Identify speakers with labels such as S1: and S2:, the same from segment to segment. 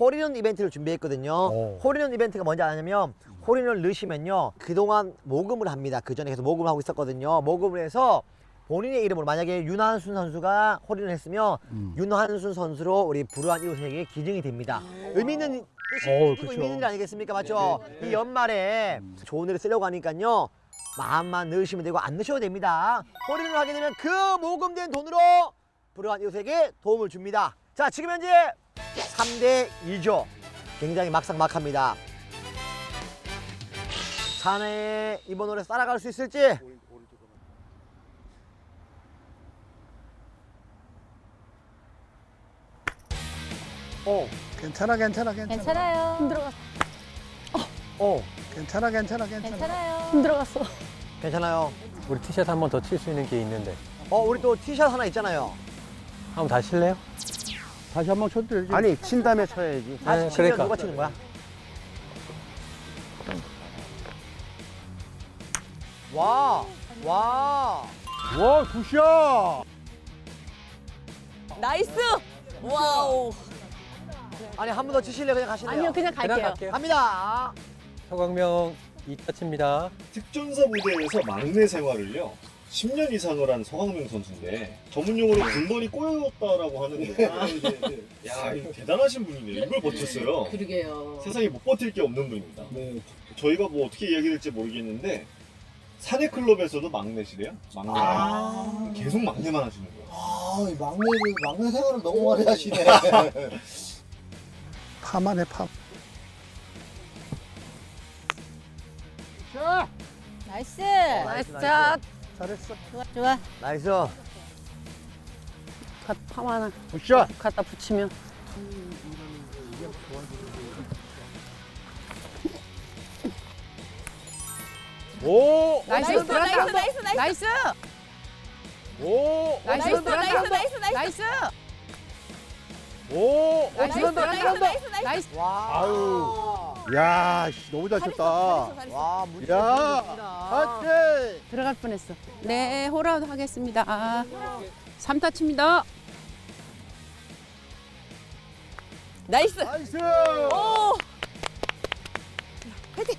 S1: 홀인원 이벤트를 준비했거든요.
S2: 오.
S1: 홀인원 이벤트가 뭔지 아냐면 홀인원을 넣으시면요 그동안 모금을 합니다. 그 전에 계속 모금을 하고 있었거든요. 모금을 해서 본인의 이름으로 만약에 윤한순 선수가 홀인을 했으면 윤한순 선수로 우리 불우한 이웃에게 기증이 됩니다. 의미 있는 뜻이
S2: 그렇죠.
S1: 의미 있는 일 아니겠습니까? 맞죠? 이 연말에 좋은 일을 쓰려고 하니까요. 마음만 넣으시면 되고 안 넣으셔도 됩니다. 홀인을 하게 되면 그 모금된 돈으로 불우한 이웃에게 도움을 줍니다. 자, 지금 현재 3대 2죠. 굉장히 막상막합니다. 자네 이번 노래 따라갈 수 있을지?
S2: 괜찮아.
S3: 괜찮아요. 힘 들어갔어.
S2: 괜찮아.
S3: 괜찮아요. 힘 들어갔어.
S1: 괜찮아요.
S4: 우리 티샷 한 번 더 칠 수 있는 게 있는데
S1: 우리 또 티샷 하나 있잖아요.
S4: 한번 다시 칠래요?
S2: 다시 한번 쳐도 되지.
S5: 아니 친 다음에 쳐야지.
S1: 다시 치면
S4: 그러니까.
S1: 누가 치는 거야? 와, 와.
S2: 와, 굿샷.
S3: 나이스. 와우.
S1: 아니 한 번 더 치실래요? 그냥 가실래요?
S3: 아니요, 그냥
S4: 그냥
S3: 갈게요.
S4: 갈게요.
S1: 갑니다.
S4: 서광명 2타 칩니다.
S6: 특전사 부대에서 막내 생활을요 10년 이상을 한 서광명 선수인데 전문용어로 군번이 꼬였다라고 하는데 야 이거 대단하신 분이네요. 이걸 버텼어요.
S7: 그러게요.
S6: 세상에 못 버틸 게 없는 분입니다. 저희가 뭐 어떻게 이야기될지 모르겠는데 사내 클럽에서도 막내시래요. 막내. 계속 막내만 하시는 거예요.
S8: 이 막내 생활을 너무 오래 하시네.
S2: 파만 해, 파.
S3: 나이스.
S1: 나이스 샷.
S2: 잘했어.
S3: 좋아.
S1: 나이스.
S3: 팜 하나
S2: 굿샷.
S3: 갖다 붙이면.
S2: 오.
S3: 나이스. 나이스.
S2: 오.
S3: 나이스. 나이스.
S2: 오.
S3: 나이스.
S1: 와.
S2: 아유. 야, 씨, 너무 잘 쳤다.
S1: 와, 무지.
S2: 야. 하트.
S3: 들어갈 뻔했어. 네, 홀아웃 하겠습니다. 3타 칩니다. 나이스.
S2: 나이스.
S3: 오.
S2: 하트.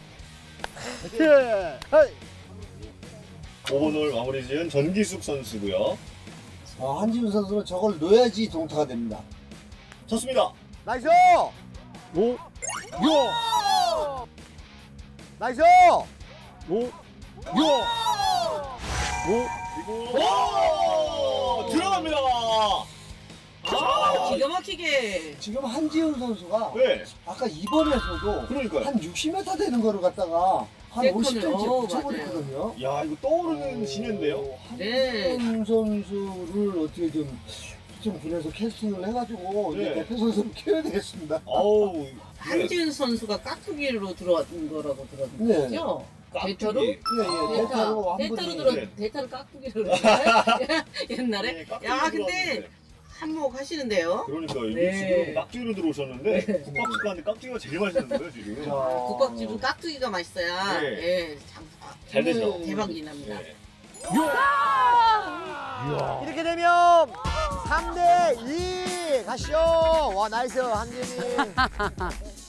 S2: 헤이.
S6: 5번홀 마무리 지은 전기숙 선수고요.
S8: 한지훈 선수는 저걸 넣어야지 동타가 됩니다.
S6: 쳤습니다.
S1: 나이스.
S2: 오. 요.
S1: 나이스.
S2: 오. 요. 오.
S6: 그리고 들어갑니다.
S7: 기가 막히게.
S8: 지금 한지훈 선수가
S6: 네.
S8: 아까 2번에서도
S6: 그러니까
S8: 한 60m 되는 거를 갖다가 한
S7: 세컨을,
S8: 50cm
S7: 맞아요.
S8: 붙여버렸거든요.
S6: 야 이거 떠오르는 신인데요.
S7: 네.
S8: 한지훈 선수를 어떻게 좀 분해서 캐스팅을 해가지고
S6: 네.
S8: 이제 대표 선수를 키워야 되겠습니다.
S6: 아우
S7: 한지훈 선수가 깍두기로 들어왔던 거라고
S8: 네.
S7: 들었죠? 대타로?
S6: 깍두기.
S8: 예, 대타로 한
S7: 대타로
S8: 분이
S7: 들어
S6: 네.
S7: 대타로 깍두기로 그랬나요? 옛날에?
S6: 네, 깍두기
S7: 야 근데
S6: 들어왔는데.
S7: 한몫 하시는데요?
S6: 그러니까 이게
S7: 네.
S6: 지금 깍두기로 들어오셨는데 국밥집 가는데 깍두기가 제일 맛있는 거예요 지금.
S7: 국밥집은 깍두기가 맛있어야
S6: 네.
S7: 예,
S6: 잘 되죠.
S7: 대박이 납니다.
S6: 네.
S1: 이렇게 되면 3대 2 가시죠. 와, 나이스 한재민.